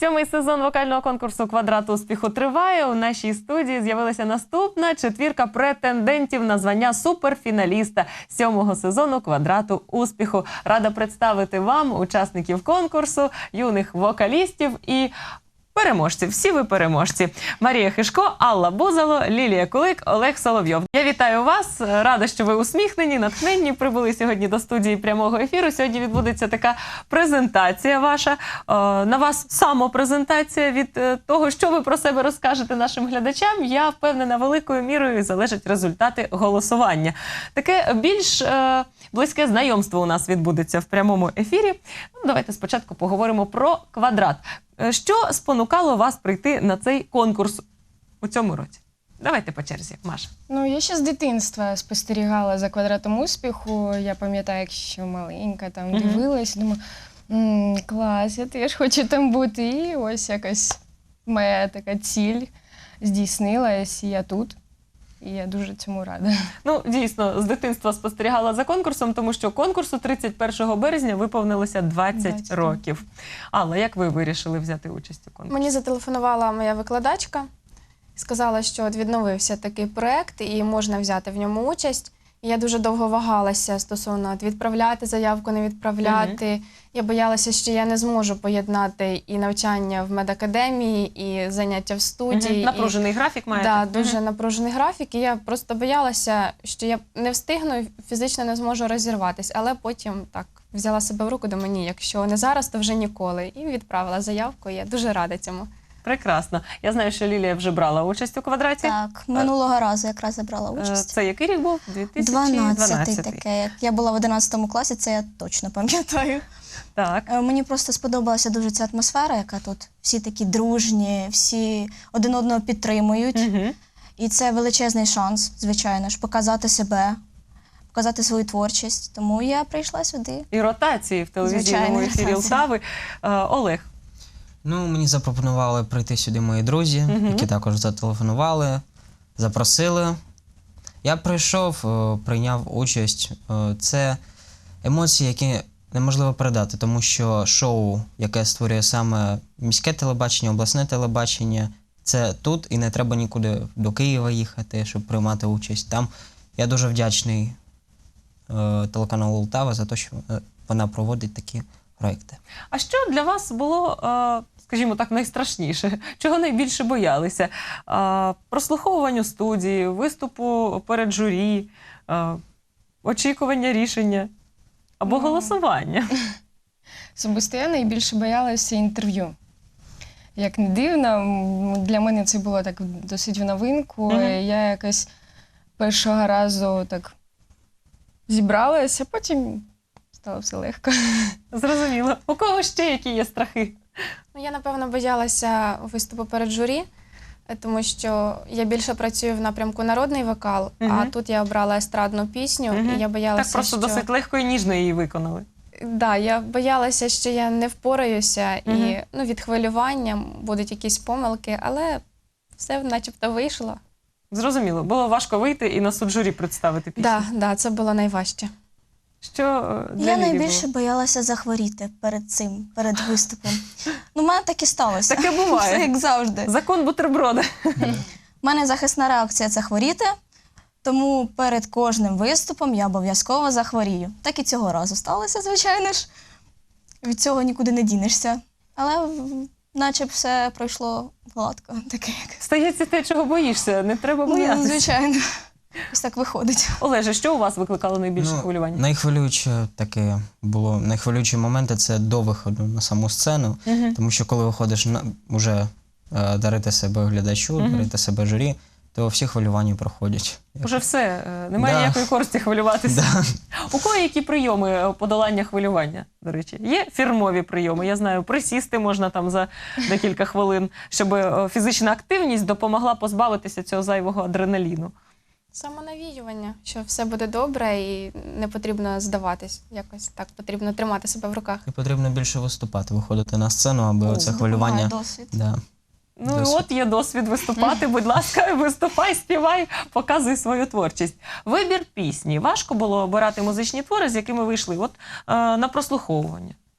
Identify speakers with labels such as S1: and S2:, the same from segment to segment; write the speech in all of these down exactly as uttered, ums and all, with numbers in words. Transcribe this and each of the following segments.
S1: Сьомий сезон вокального конкурсу «Квадрат успіху» триває. У нашій студії з'явилася наступна четвірка претендентів на звання суперфіналіста сьомого сезону «Квадрату успіху». Рада представити вам учасників конкурсу, юних вокалістів і переможців. Всі ви переможці. Марія Хишко, Алла Бузало, Лілія Кулик, Олег Соловйов. Я вітаю вас. Рада, що ви усміхнені, натхненні. Прибули сьогодні до студії прямого ефіру. Сьогодні відбудеться така презентація ваша. На вас самопрезентація від того, що ви про себе розкажете нашим глядачам. Я впевнена, великою мірою залежать результати голосування. Таке більш близьке знайомство у нас відбудеться в прямому ефірі. Ну, давайте спочатку поговоримо про «Квадрат». Що спонукало вас прийти на цей конкурс у цьому році? Давайте по черзі, Маша.
S2: Ну, я ще з дитинства спостерігала за «Квадратом успіху». Я пам'ятаю, як ще маленька, там
S1: Мгм.
S2: дивилась, думаю, «М, клас, я теж хочу там бути. І ось якась моя така ціль здійснилась, і я тут. І я дуже цьому рада.
S1: Ну, дійсно, з дитинства спостерігала за конкурсом, тому що конкурсу тридцять першого березня виповнилося двадцять
S2: двадцять
S1: років. Алла, як ви вирішили взяти участь у конкурсі?
S3: Мені зателефонувала моя викладачка і сказала, що от відновився такий проєкт і можна взяти в ньому участь. І я дуже довго вагалася стосовно от відправляти заявку, не відправляти. Угу. Я боялася, що я не зможу поєднати і навчання в медакадемії, і заняття в студії.
S1: Угу. Напружений і... графік маєте?
S3: Так, да, дуже угу. напружений графік. І я просто боялася, що я не встигну і фізично не зможу розірватися. Але потім так взяла себе в руку, до мені, якщо не зараз, то вже ніколи. І відправила заявку, і я дуже рада цьому.
S1: Прекрасно. Я знаю, що Лілія вже брала участь у «Квадраті».
S4: Так, минулого разу якраз забрала участь.
S1: Це який рік був? дві тисячі
S4: дванадцятий
S1: дванадцятий.
S4: таке. Я була в одинадцятому класі, це я точно пам'ятаю.
S1: Так.
S4: Мені просто сподобалася дуже ця атмосфера, яка тут. Всі такі дружні, всі один одного підтримують.
S1: Угу.
S4: І це величезний шанс, звичайно ж, показати себе, показати свою творчість. Тому я прийшла сюди.
S1: І ротації в телевізійному
S4: Звичайно,
S1: ефірі
S4: ротації.
S1: Лтави. Олег.
S5: Ну, мені запропонували прийти сюди мої друзі,
S1: Мгм.
S5: які також зателефонували, запросили. Я прийшов, е, прийняв участь. Е, Це емоції, які неможливо передати, тому що шоу, яке створює саме міське телебачення, обласне телебачення, це тут і не треба нікуди до Києва їхати, щоб приймати участь. Там я дуже вдячний е, телеканалу Лтава за те, що е, вона проводить такі проекти.
S1: А що для вас було, е, скажімо так, найстрашніше? Чого найбільше боялися? Е, Прослуховуванню студії, виступу перед журі, е, очікування рішення або
S2: Ну.
S1: голосування?
S2: Особисто я найбільше боялася інтерв'ю. Як не дивно, м, для мене це було так досить в новинку.
S1: Мгм.
S2: Я якось першого разу так зібралася, потім стало все легко.
S1: Зрозуміло. У кого ще які є страхи?
S3: Ну, я, напевно, боялася виступу перед журі, е, тому що я більше працюю в напрямку народний вокал, а
S1: Мгм.
S3: тут я обрала естрадну пісню,
S1: Мгм.
S3: і я боялася,
S1: Так просто
S3: що...
S1: досить легко і ніжно її виконали.
S3: Да, я боялася, що я не впораюся,
S1: Мгм.
S3: і ну, від хвилювання будуть якісь помилки, але все начебто вийшло.
S1: Зрозуміло. Було важко вийти і на суд журі представити пісню.
S3: Да, да, це було найважче.
S1: Що е, для
S4: Я
S1: Лілії
S4: найбільше
S1: було?
S4: боялася захворіти перед цим, перед виступом. Ну, в мене так і сталося.
S1: Таке буває.
S4: Все як завжди.
S1: Закон бутерброда.
S4: У мене захисна реакція – це хворіти, тому перед кожним виступом я обов'язково захворію. Так і цього разу сталося, звичайно ж. Від цього нікуди не дінешся. Але в- наче б все пройшло гладко, таке як.
S1: Стається те, чого боїшся. Не треба
S4: Ну,
S1: боятися.
S4: звичайно. Ось так виходить.
S1: Олеже, що у вас викликало найбільше хвилювання?
S5: Найхвилююче таке було, найхвилюючі моменти – це до виходу на саму сцену,
S1: Мгм.
S5: тому що коли виходиш на, вже е, дарити себе глядачу,
S1: Мгм.
S5: дарити себе журі, то всі хвилювання проходять.
S1: Уже все, е, немає
S5: Да.
S1: ніякої користі хвилюватися.
S5: Да.
S1: У кого які прийоми е, подолання хвилювання, до речі? Є фірмові прийоми, я знаю, присісти можна там за декілька хвилин, щоб е, фізична активність допомогла позбавитися цього зайвого адреналіну.
S3: Самонавіювання, що все буде добре і не потрібно здаватись. Якось так потрібно тримати себе в руках.
S5: І потрібно більше виступати, виходити на сцену, аби
S1: О,
S5: оце
S4: Допомагає
S5: хвилювання.
S4: досвід.
S5: Да.
S1: Ну і
S5: Досвід.
S1: от є досвід виступати, будь ласка, виступай, співай, показуй свою творчість. Вибір пісні. Важко було обирати музичні твори, з якими вийшли от, е, на прослуховування?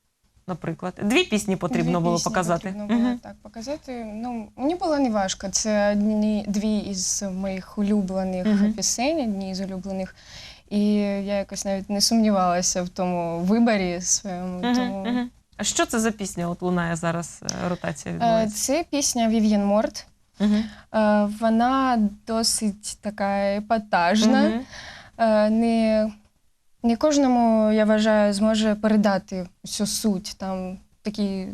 S1: наприклад? Дві пісні потрібно
S2: Дві
S1: було
S2: пісні
S1: показати.
S2: Потрібно було
S1: Мгм.
S2: так показати. Ну, мені було не важко. Це одні, дві із моїх улюблених
S1: Мгм.
S2: пісень, одні з улюблених. І я якось навіть не сумнівалася в тому виборі своєму.
S1: Мгм,
S2: Тому...
S1: мгм. А що це за пісня? От лунає зараз, е, ротація
S2: Е,
S1: відбувається.
S2: Це пісня Вів'єн Морт.
S1: Мгм.
S2: Е, Вона досить така епатажна.
S1: Мгм.
S2: Е, Не, не кожному, я вважаю, зможе передати всю суть. Там такий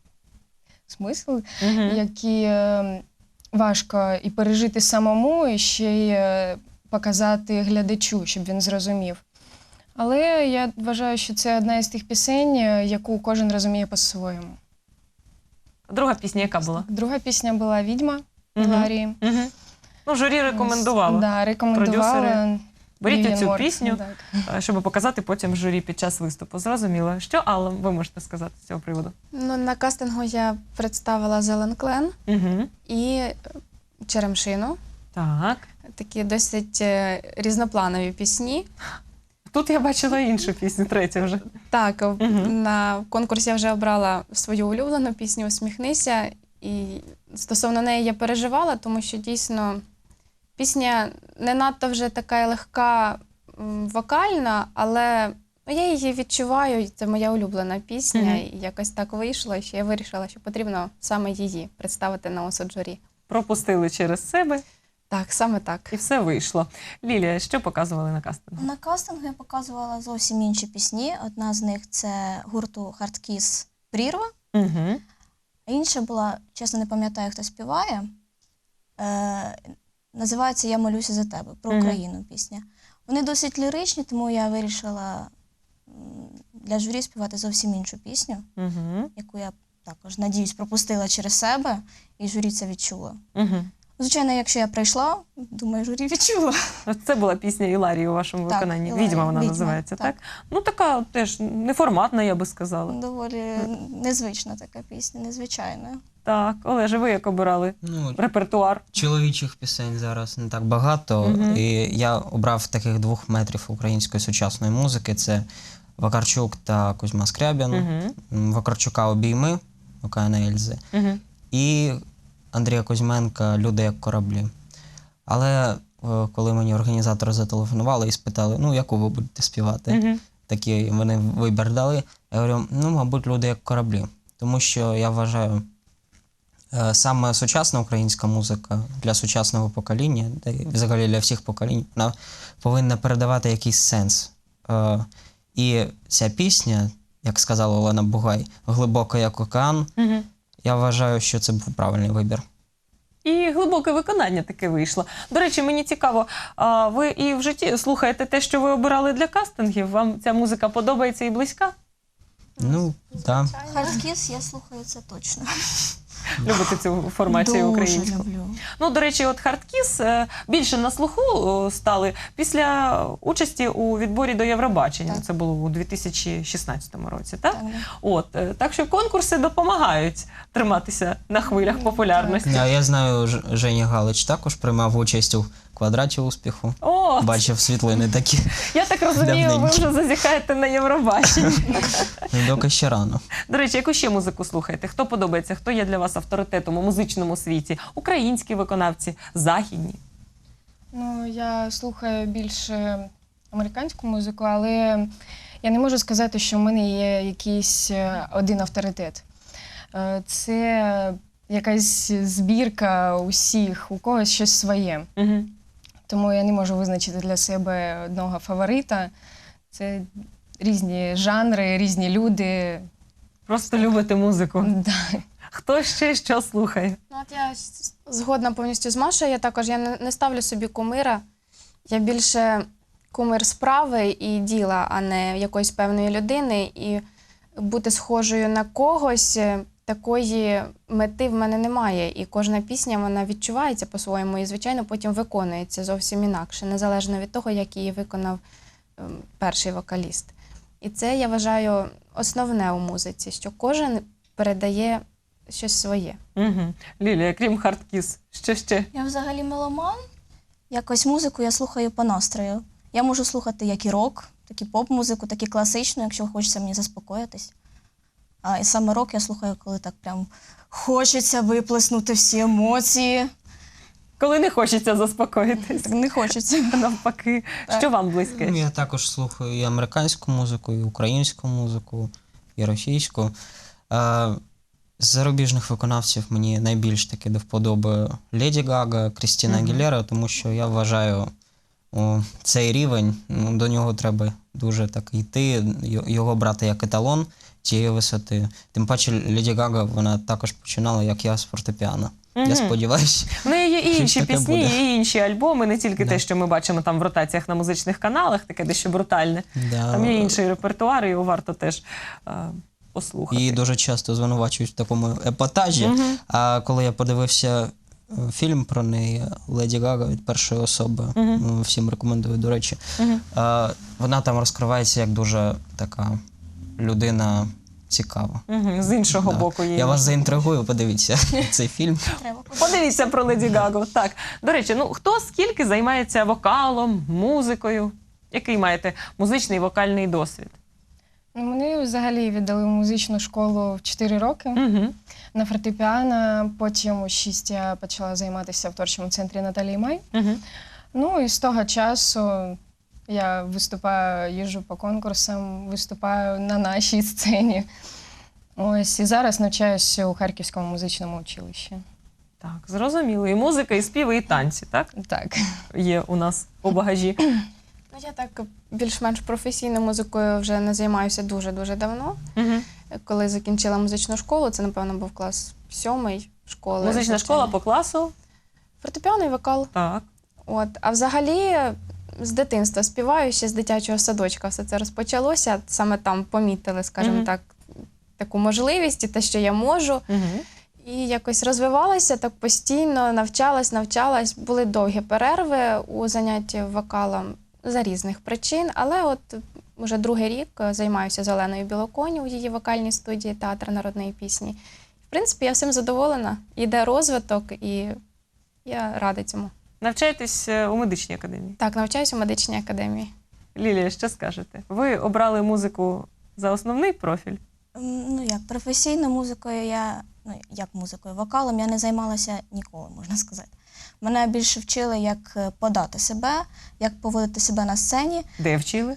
S2: смисл,
S1: Мгм.
S2: які е, важко і пережити самому, і ще й е, показати глядачу, щоб він зрозумів. Але я вважаю, що це одна із тих пісень, е, яку кожен розуміє по-своєму.
S1: Друга пісня яка була?
S2: Друга пісня була «Відьма»
S1: Мгм.
S2: Ларії.
S1: Мгм. Ну, журі рекомендувало.
S2: Да, рекомендувала.
S1: Продюсери. Беріть
S2: Вів'єн
S1: оцю
S2: Морт,
S1: пісню,
S2: так.
S1: е, щоб показати потім журі під час виступу. Зрозуміло. Що, Алла, ви можете сказати з цього приводу?
S3: Ну, на кастингу я представила Зелен Клен
S1: Угу.
S3: і е, Черемшину.
S1: Так.
S3: Такі досить е, різнопланові пісні.
S1: Тут я бачила іншу пісню, третю вже.
S3: Так, в-
S1: Мгм.
S3: на конкурсі я вже обрала свою улюблену пісню «Усміхнися». І стосовно неї я переживала, тому що дійсно пісня не надто вже така легка м, вокальна, але ну, я її відчуваю, і це моя улюблена пісня.
S1: Мгм.
S3: І якось так вийшло, що я вирішила, що потрібно саме її представити на осуд журі.
S1: Пропустили через себе
S3: Так, саме так.
S1: і все вийшло. Лілія, що показували на кастингу?
S4: На кастингу я показувала зовсім інші пісні. Одна з них це гурту Hard Kiss «Прірва».
S1: Угу.
S4: А інша була, чесно, не пам'ятаю, хто співає. Е, називається «Я молюся за тебе» про
S1: Мгм.
S4: Україну пісня. Вони досить ліричні, тому я вирішила м, для журі співати зовсім іншу пісню,
S1: Угу.
S4: яку я також, надіюсь, пропустила через себе, і журі це відчуло.
S1: Угу.
S4: Звичайно, якщо я прийшла, думаю, журі відчуло.
S1: Це була пісня Іларії у вашому
S4: Так,
S1: виконанні.
S4: «Іларія»,
S1: Відьма вона
S4: «Відьма»,
S1: називається, так.
S4: так.
S1: Ну, така от теж неформатна, я би сказала.
S4: Доволі незвична така пісня, незвичайна.
S1: Так, Олеже, ви як обирали
S5: Ну,
S1: репертуар?
S5: чоловічих пісень зараз не так багато,
S1: Мгм.
S5: і я обрав таких двох метрів української сучасної музики. Це Вакарчук та Кузьма Скрябін.
S1: Угу.
S5: М, Вакарчука «Обійми» Океана Ельзи
S1: Угу.
S5: і Андрія Кузьменка «Люди як кораблі». Але е, коли мені організатори зателефонували і спитали, ну, яку ви будете співати,
S1: Угу.
S5: такі вони вибір дали, я говорю, ну, мабуть, «Люди як кораблі». Тому що я вважаю, е, саме сучасна українська музика для сучасного покоління, та й взагалі для всіх поколінь, вона повинна передавати якийсь сенс. Е, І ця пісня, як сказала Олена Бугай, глибока як океан,
S1: Угу.
S5: я вважаю, що це був правильний вибір.
S1: І глибоке виконання таке вийшло. До речі, мені цікаво, а ви і в житті слухаєте те, що ви обирали для кастингів? Вам ця музика подобається і близька?
S5: Ну, так.
S4: Hard Kiss я слухаю це точно.
S1: Любите цю формацію
S4: Дуже
S1: українську?
S4: люблю.
S1: Ну, до речі, от Хардкіс е, більше на слуху е, стали після участі у відборі до Євробачення.
S4: Так.
S1: Це було у дві тисячі шістнадцятому році, так?
S4: Так, да.
S1: От, е, так що конкурси допомагають триматися на хвилях популярності.
S5: А я знаю, Ж- Женя Галич також приймав участь у квадраті успіху.
S1: О,
S5: Бачив світлини такі.
S1: я так розумію, ви
S5: давненькі.
S1: вже зазіхаєте на Євробачення.
S5: Доки ще рано.
S1: До речі, яку ще музику слухаєте? Хто подобається? Хто є для вас авторитетом у музичному світі? Українські виконавці, західні?
S2: Ну, я слухаю більше американську музику, але я не можу сказати, що в мене є якийсь е, один авторитет. Е, Це якась збірка усіх, у когось щось своє.
S1: Угу.
S2: Тому я не можу визначити для себе одного фаворита. Це різні жанри, різні люди.
S1: Просто любите музику.
S2: Да.
S1: Хто ще що слухає?
S3: Ну, от я с- згодна повністю з Машою. Я також я не, не ставлю собі кумира. Я більше кумир справи і діла, а не якоїсь певної людини. І бути схожою на когось, е, такої мети в мене немає. І кожна пісня вона відчувається по-своєму і, звичайно, потім виконується зовсім інакше, незалежно від того, як її виконав ем, перший вокаліст. І це, я вважаю, основне у музиці, що кожен передає щось своє.
S1: Угу. Лілія, крім Хардкіс, що ще?
S4: Я взагалі меломан. Якось музику я слухаю по настрою. Я можу слухати як і рок, так і поп-музику, так і класичну, якщо хочеться мені заспокоїтись. А і саме рок я слухаю, коли так прям хочеться виплеснути всі емоції.
S1: Коли не хочеться заспокоїтись.
S4: Так не хочеться.
S1: Навпаки.
S4: Так.
S1: Що вам близьке?
S5: Ну, я також слухаю і американську музику, і українську музику, і російську. Е, З зарубіжних виконавців мені найбільш таки до вподоби Леді Гага, Крістіна
S1: Мгм.
S5: Агілера, тому що я вважаю, о, цей рівень, ну, до нього треба дуже так йти, й- його брати як еталон цієї висоти. Тим паче Леді Гага, вона також починала, як я, з фортепіано. Я
S1: Мгм.
S5: сподіваюся.
S1: В неї є і
S5: Щось
S1: інші
S5: таке
S1: пісні,
S5: буде.
S1: є і інші альбоми, не тільки
S5: Да.
S1: те, що ми бачимо там в ротаціях на музичних каналах, таке дещо брутальне.
S5: Да.
S1: Там є інший репертуар, і його варто теж е, послухати.
S5: Її дуже часто звинувачують в такому епатажі.
S1: Мгм.
S5: А коли я подивився е, фільм про неї Леді Гага від першої особи,
S1: Мгм.
S5: ну, всім рекомендую, до речі,
S1: Мгм.
S5: е, вона там розкривається як дуже така людина цікава.
S1: Мгм. З іншого
S5: Да.
S1: боку її.
S5: Я вас
S1: можна.
S5: заінтригую, подивіться цей фільм.
S4: Треба.
S1: Подивіться про Леді Гагу. Так. До речі, ну хто скільки займається вокалом, музикою? Який маєте музичний і вокальний досвід?
S2: Ну, мене взагалі віддали в музичну школу в чотири роки
S1: Угу.
S2: на фортепіано. Потім у шість я почала займатися в творчому центрі Наталії Май.
S1: Угу.
S2: Ну і з того часу я виступаю, їжджу по конкурсам, виступаю на нашій сцені. Ось і зараз навчаюся у Харківському музичному училищі.
S1: Так, зрозуміло. І музика, і співи, і танці, так?
S2: Так.
S1: Є у нас у багажі.
S3: Ну, я так більш-менш професійною музикою вже не займаюся дуже-дуже давно.
S1: Угу.
S3: Коли закінчила музичну школу, це, напевно, був клас сьомий школи.
S1: Музична
S3: звичайно.
S1: школа по класу.
S3: Фортепіано і вокал.
S1: Так.
S3: От. А взагалі з дитинства співаю, ще з дитячого садочка все це розпочалося. Саме там помітили, скажімо
S1: Мгм.
S3: так, таку можливість і те, що я можу.
S1: Угу.
S3: І якось розвивалася так постійно, навчалась, навчалась. Були довгі перерви у занятті вокалом за різних причин, але от уже другий рік е, займаюся Зеленою Білоконі у її вокальній студії театру народної пісні. В принципі, я всім задоволена. Іде розвиток, і я рада цьому.
S1: Навчаєтесь е, у медичній академії.
S3: Так, навчаюся у медичній академії.
S1: Лілія, що скажете? Ви обрали музику за основний профіль?
S4: М, Ну як, професійною музикою я, ну як музикою, вокалом я не займалася ніколи, можна сказати. Мене більше вчили, як е, подати себе, як поводити себе на сцені.
S1: Де вчили?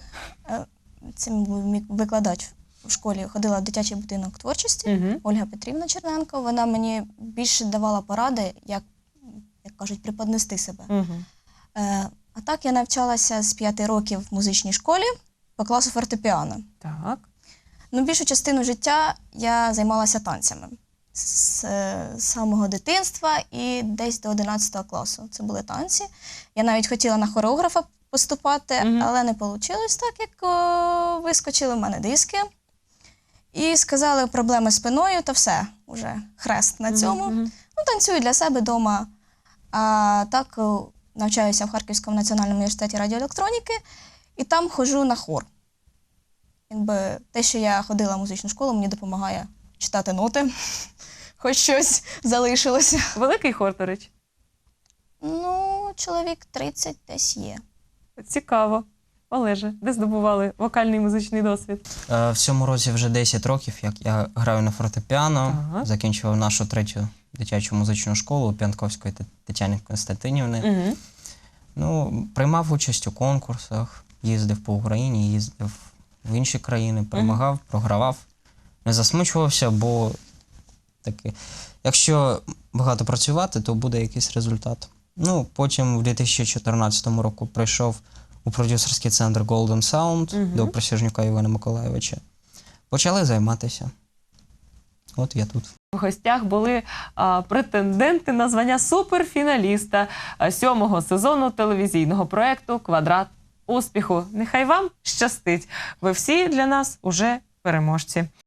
S4: Це був мій викладач у школі, ходила в дитячий будинок творчості.
S1: Угу.
S4: Ольга Петрівна Черненко. Вона мені більше давала поради, як, як кажуть, преподнести себе.
S1: Угу.
S4: Е, а так я навчалася з п'яти років в музичній школі по класу фортепіано.
S1: Так.
S4: Ну, більшу частину життя я займалася танцями з е, самого дитинства і десь до одинадцятого класу. Це були танці. Я навіть хотіла на хореографа поступати,
S1: Мгм.
S4: але не вийшло так, як о, вискочили в мене диски. І сказали, проблеми з спиною, та все, уже хрест на цьому.
S1: Мгм.
S4: Ну, танцюю для себе вдома. А так о, навчаюся в Харківському національному університеті радіоелектроніки і там ходжу на хор. Якби те, що я ходила в музичну школу, мені допомагає читати ноти, хоч щось залишилося.
S1: Великий хор, до речі.
S4: Ну, чоловік тридцять десь є.
S1: Цікаво. Олеже, де здобували вокальний і музичний досвід?
S5: Е, В цьому році вже десять років, як я граю на фортепіано,
S1: Так.
S5: закінчував нашу третю дитячу музичну школу П'янковської Т- Тетяни Константинівни.
S1: Угу.
S5: Ну, приймав участь у конкурсах, їздив по Україні, їздив в інші країни, перемагав, програвав. Не засмучувався, бо таки, якщо багато працювати, то буде якийсь результат. Ну, потім в дві тисячі чотирнадцятому року прийшов у продюсерський центр Golden Sound
S1: Мгм.
S5: до Присяжнюка Івана Миколайовича. Почали займатися. От я тут.
S1: В гостях були а, претенденти на звання суперфіналіста а, сьомого сезону телевізійного проекту «Квадрат успіху». Нехай вам щастить. Ви всі для нас уже переможці.